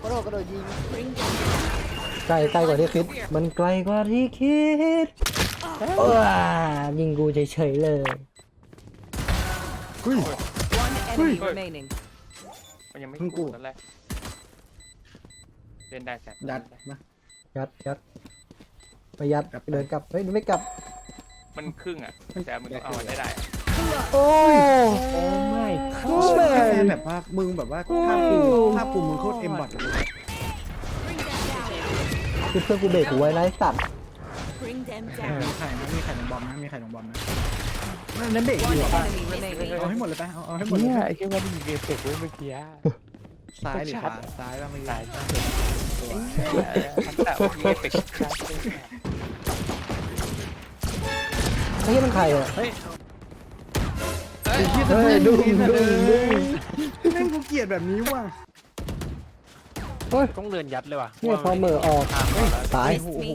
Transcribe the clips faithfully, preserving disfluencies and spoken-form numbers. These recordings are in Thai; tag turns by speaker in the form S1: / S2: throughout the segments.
S1: ระโดดกระโดดยิง
S2: ไกลไกลกว่าที่คิดมันไกลกว่าที่คิดเออยิงกูเฉยๆเลยอุ้ย
S3: One enemy remaining.
S4: มันยังไม่
S1: เพิ่งกู้
S4: ตอนแรกเล่นได้แซ่บ
S1: ยัดมา
S2: ยัดยัดไปยัดเดินกลับเฮ้ยไม่กลับ
S4: มันครึ่งอ่ะแต่มึงต้องเอาได้ได้
S2: โอ้โอ้
S1: ไม่
S2: ไม่
S1: แค่แบบว่ามึงแบบว่าภาพกูภาพกูมึงโคตรเอ็มบอทเลย
S2: คือเพื่อนกูเบรกกูไว้นะไอ้สัตว์
S3: Bring them
S1: มี
S3: down.
S1: ไข่นะมีไข่ลงบอมนะมีไข่ลงบอมนะนั่นเบรกอยู่
S3: One
S1: ป่ะ
S3: enemy remaining.
S1: เอาให้หมดเลยไปเอาเอาให้หมดเล
S5: เนี่ย
S1: ย
S5: ไอ้แค่ว่ามีเกมเสร็จเว้ยเมื่อกี้
S1: ซ้ายหรือขวาซ้ายบ้างไม่
S5: ตา
S1: ได้
S5: ยแต่มีเอฟเฟกต์
S2: ไอ้เหี้ยมันใครอ่ะ
S1: เฮ้ย
S2: เฮ้ยดุ้งดุ้งดุ้ง
S1: แม่งกูเกลียดแบบนี้ว่ะ
S2: เฮ้ย
S5: ต้องเดินยัดเลยว่ะ
S2: เนี่ยพอเหม่อออกตาย
S3: Miss me.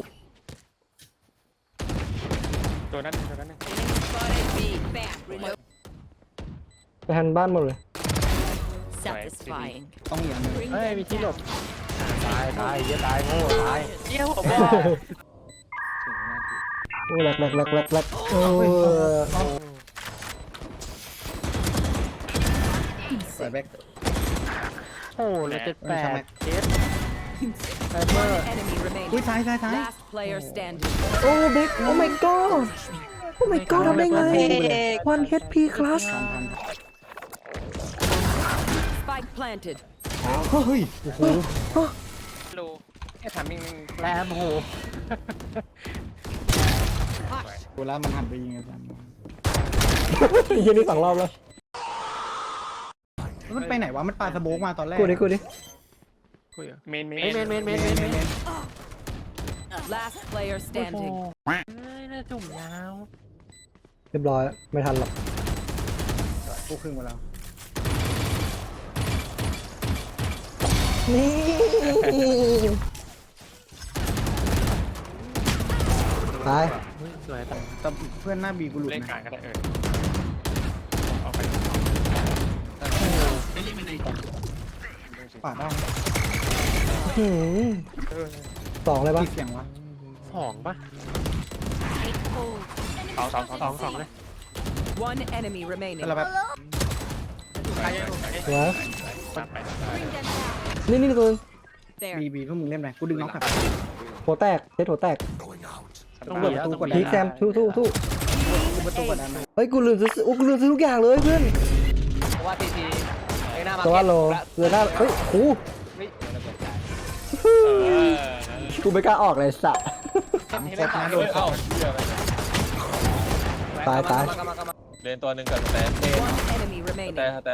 S4: ตัวนั้นตัวนั้น
S3: Spotted B. Bam. Reload.
S2: ไปหันบ้านหมดเลย
S3: Satisfying.
S1: ต้องอย่างนึง
S3: Bring
S5: เฮ้ย
S3: them
S5: มีที่หลบ
S3: down.
S5: ตายตายเหี้ยตายโง่ตายเหี้ยผมว่า
S2: โอ้แหลกแหลกแหลกแหลกแหลกเออ
S1: ใส่แบ็ค
S5: โอ้เลยเจ็ดแปดเจ็ดไซเบอ
S3: One
S5: ร์
S3: enemy
S1: อุ้ย
S3: remaining.
S1: ซ้ายซ้ายซ้าย
S3: Last player standing.
S2: โอ้เบคโอ้ my god โอ้ my god ทำได้ไง one เอช พี class
S1: ทันทัน
S3: Spike planted.
S1: เฮ้ยโอ้โห
S4: รู้แค่ถามมิง
S5: แรมโห
S1: เวลามันหันไปยิงกัน
S2: ยิงนี่สองรอบแล้ว
S1: มันไปไหนวะมันปาสโมกมาตอนแรก
S2: กูดิกูดิ
S5: คุยอ่ะ
S4: เมนเม
S5: เมนเมนเมนเมนเมนเมน
S3: Last player standing.
S5: เฮ้ยน่าจุ่มยาว
S2: เรียบร้อยไม่ทันหรอก
S1: กูครึ่งมาแล้ว
S2: นี่ตาย
S5: สวยแต่
S1: แต่เพื่อนหน้าบีกูหลุด
S4: เล่นกลา
S1: นะ
S4: งก็ได้เออเอาไป
S1: ปาดได้
S2: หืมสองเลยปะ
S1: กี่เสียงวะ
S5: สองปะ
S4: สองสองสอง
S5: สองสองเลย
S3: One enemy remaining.
S1: แต่เราแบบ
S4: ไป
S2: เดี๋ยว
S4: ไป
S2: นี่นี่ตัว
S3: There.
S1: บีบีพวกมึงเล่นไหมกูดึงน็อกกลับ
S2: หัวแตกเซตหัวแตก
S5: ต้องเปิดประตูก่อน
S2: พีคแซมทู่ทู่ทู่
S1: กูประตูกดดัน
S2: เฮ้ยกูลืมซื้อโอ้กูลืมซื้อทุกอย่างเลยเพื่อน
S5: เพราะว่าทีทีไอ้หน้ามา
S2: ตัวโลเรือหน้าเฮ้ยโอ้
S4: เออ
S2: กูไม่กล้าออกเลยสัตว์
S1: สามครบนะโดน
S4: เอ้า
S2: ตายตาย
S6: เล่นตัวหนึ่งกับแต่
S3: One enemy
S6: แต่
S3: remaining.
S6: แต่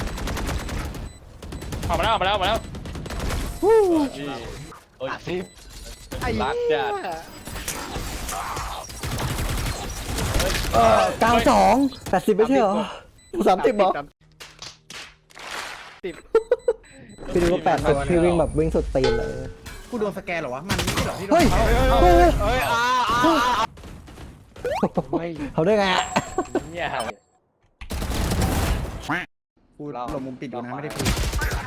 S4: ออกมาแล้วออกมาแล้วออกมาแล้ว
S6: ที่โอ้ย
S5: สิบ
S6: รักจัด
S2: เก้าสองแปดสิบไม่ใช่เหรอสามสิบเหรอพี่ดูว่าแปดสิบพี่วิ่งแบบวิ่งสุดตีนเลย
S1: กูโดนสแกนเหรอวะมันไม่เหรอที่โด
S2: เฮ้ย
S1: นเขา
S2: เฮ้ย
S5: เฮ้ยอ้าไม่
S2: เขาได้ไงอะ
S5: เนี่ย
S1: กูหลบมุมปิดอยู่นะไม่ได้พูด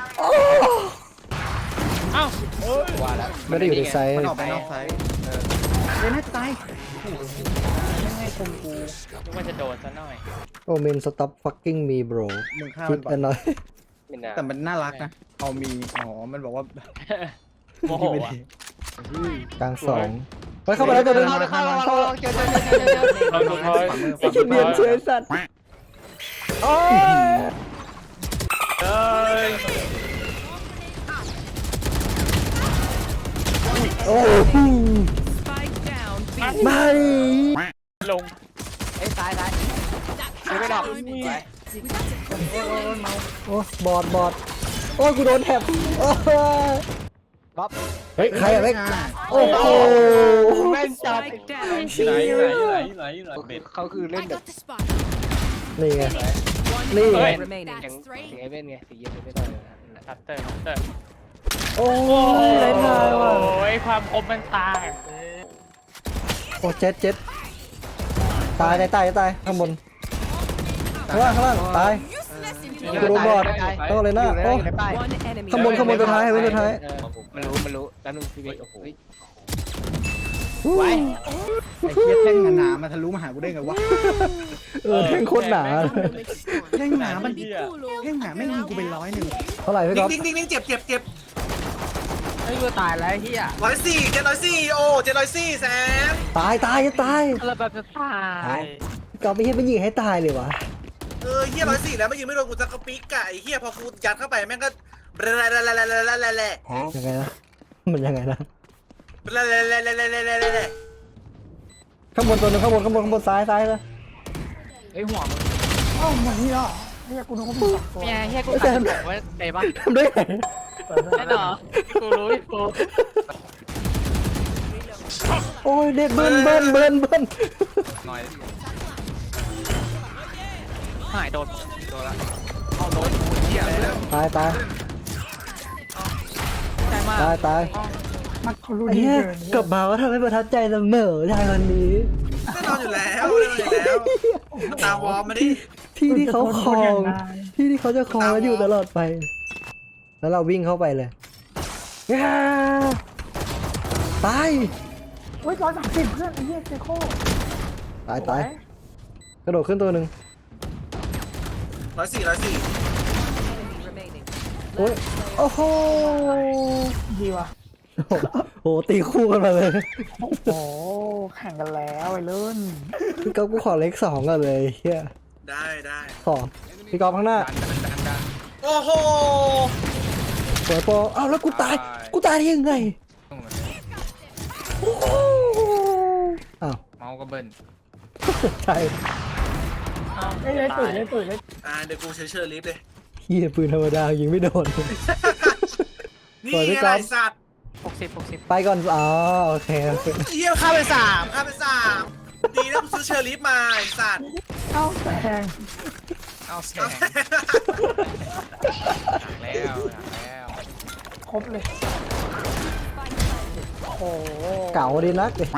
S4: เอ้า
S5: ว่าแล้ว
S2: ไม่ได้อยู่ในไซส์
S1: มันออกไปนอกไซส์เออเล่นให้ตายไม่ให้คมกู
S4: นึกว่าจะโดนซะหน่อย
S2: โอเมน stop fucking me bro
S1: มึงฆ่า
S2: คิ
S1: มั
S2: ด
S1: นก่อ
S2: อั
S1: น
S2: นน้อย
S5: ไม่น่า
S1: แต่มันน่ารักนะเอามีอ๋อมันบอกว่า
S4: โมโหอ่ะ
S2: กลางสองเฮ้ยเข้ามาแล้วตัวนึง
S5: เข้าเข้าเข้าเจอเจอเจอเจอเจอ
S4: เราดูเขา
S2: ไอ้คิดเนียนเชยสัตว์โอ้ย
S4: เอ้ย
S2: โอ้โห
S3: Spike down. B.
S2: ไม่
S4: ลง
S5: ไอ้ซ้ายซ้ายไม่ดอกนี่
S2: โอ้บอดบอดโอ้ยกูโดนแท็บโอ้ย
S5: บ๊อบ
S2: เฮ้ยใครอะเล็กโอ้โห
S5: แม่นจัด
S3: Spike down.
S6: ไหนไหนไหนไหนไหนเบ็ด
S5: เขาคือเล่นแบบ
S2: นี่ไง
S3: One
S2: Lee.
S3: enemy remaining.
S5: อย่างอย่างไอ้เว้นไงสีเย็นไม่ได้เลย
S4: คัตเตอร์คัตเตอร์
S2: โอ้ยไรทายว่ะ
S4: โอ้ยความคมมันตาย
S2: โอ้เจ็ดเจ็ดตายตายตายตายข้างบนข้างล่างข้างล่างตาย
S4: เอ
S2: กูโดนบอดต้องเลยนะโอ้
S5: อยู่ในป้าย
S3: One enemy
S2: ข้างบนข้างบนตัวท้ายไว้ตัวท้าย
S5: เออมันรู้มันรู้แล้วนึงพี่เบ
S6: เฮ้ย
S5: ก
S6: โอ้โห
S5: เฮ้ย
S1: ไว้ไอ้เหี้ยแท่งหนาๆมาทะลุมาหากูได้ไงวะ
S2: เออแท่งโคตรหนา
S1: แท่งหนามัน
S6: เหี้ย
S1: แท่งหนาไม่ยิงกูเป็นร้อยหนึ่ง
S2: เท่าไหร่พี่ก๊อฟ
S7: ดิ้งดิ้งดิ้งเจ็บเจ็บเจ็บ
S5: เฮ้ยกูตายแล้วไอ้เฮีย
S7: ร้อยสี่เจ็ดร้อยสี่โอ้เจ็ดร้อยสี่แสน
S2: ตายตายจะตาย
S5: เราแบบจะตาย
S2: พี่ก๊อฟไม่คิดไม่ยิงให้ตายเลยวะ
S7: เออเฮียร้อยสี่แล้วไม่ยิงไม่โดนกูจะกระปิกไก่เฮียพอกูยัดเข้าไปแม่งก็แร่แร่แร่แร่แร่แร่แร่แร่
S2: ยังไงนะมันยังไงนะ
S7: แร่แร่แร่แร่แร่แร่แร่แร่
S2: ข้างบนตัวนึงข้างบนข้างบนข้างบนซ้ายซ้ายเลย
S5: ไอ้หัวมึง
S1: เอ้ามันนี่อ่ะเฮียกูนึกว่ามึงสับตัว
S5: เฮียเฮียกูตายบอกว่าไงบ้าง
S2: ทำได้ไง
S5: แน่นอนกูรู้พี่กู
S2: โอ้ยเด็กเบิ้ลเบิ้ลเบิ้ลเบิ้ล
S5: หน่อยหายโดนโดนละเอาโดนกูเฮียเลย
S2: ตายตาย
S5: ใช่มาก
S2: ตายตาย
S1: มันเขารู้
S2: ไอ้
S1: ดี
S2: เหี้ย
S1: เกิน
S2: กลับมาก็ทำให้ประทับใจเสมอได้วันนี้
S7: แน่นอนอยู่แล้วแน่นอนอยู่แล้วตาวอร์มมาดิ
S2: ที่ที่เขาคลองที่ที่เขาจะคลองแล้วอยู่ตลอดไป แล้วเราวิ่งเข้าไปเลยง่าตาย
S1: โอ้ยร้อยสามสิบเพื่อนไอ้เหี้ยเจโค
S2: ตายตายกระโดดขึ้นตัวหนึ่ง
S7: ร้อยสี่ร้อยสี่
S3: Enemy remaining.
S2: โอ้ยโอ้โห
S1: ดีว่ะ
S2: โอ้โหตีคู่กันมาเลย
S1: โอ้โหแข่งกันแล้วไอ้เลื่น
S2: พี่ก๊อฟกูขอเลขสองกันเลยเฮีย
S7: ได้ได้
S2: ขอพี่ก๊อฟข้างหน้า
S7: โอ้โห
S2: สวยโปอ้าวแล้วกูตายกูตายได้ยังไงโอ้โหอ้าว
S5: เมาก็เบิ้ล
S2: ใช่
S1: ไอ้เลยตุ๋ยเลยตุ๋ยเลย
S7: อ่าเดี๋ยวกูเชยเชอร์ลิฟต์เลย
S2: เฮียปืนธรรมดายิงไม่โดน
S7: นี่
S2: สวยพี่
S7: ไง
S2: ก๊อฟ
S7: ไอ้สัตว์
S5: หกสิบหกสิบ
S2: ไปก่อนอ๋อโอเคโอเค
S7: เฮียฆ่าไปสามฆ่าไปสามดีนะกูซื้อเชอร์ลิฟต์มาไอ้สัตว์
S1: เอ้าแซง
S5: เอาแซงแล้วแล้ว
S1: ครบเลยโอ้โห
S2: เก่าดีนักเลย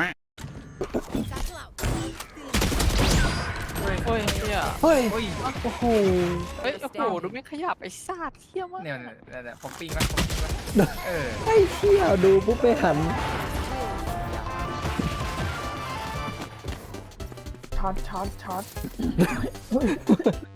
S5: โอ้ยเฮีย
S2: เฮ้ย
S5: โอ้ย
S2: โอ้โห
S5: เฮ้ยโอ้โหดูไม่ขยับไอ้ซาดเฮียมากเนี่ยเนี่ยผมปิ้งแล้วผมปิ้งแล้วเออ
S2: ไอ้เที่ยวดูปุ๊บไปหัน
S1: ช็อตช็อตช็อต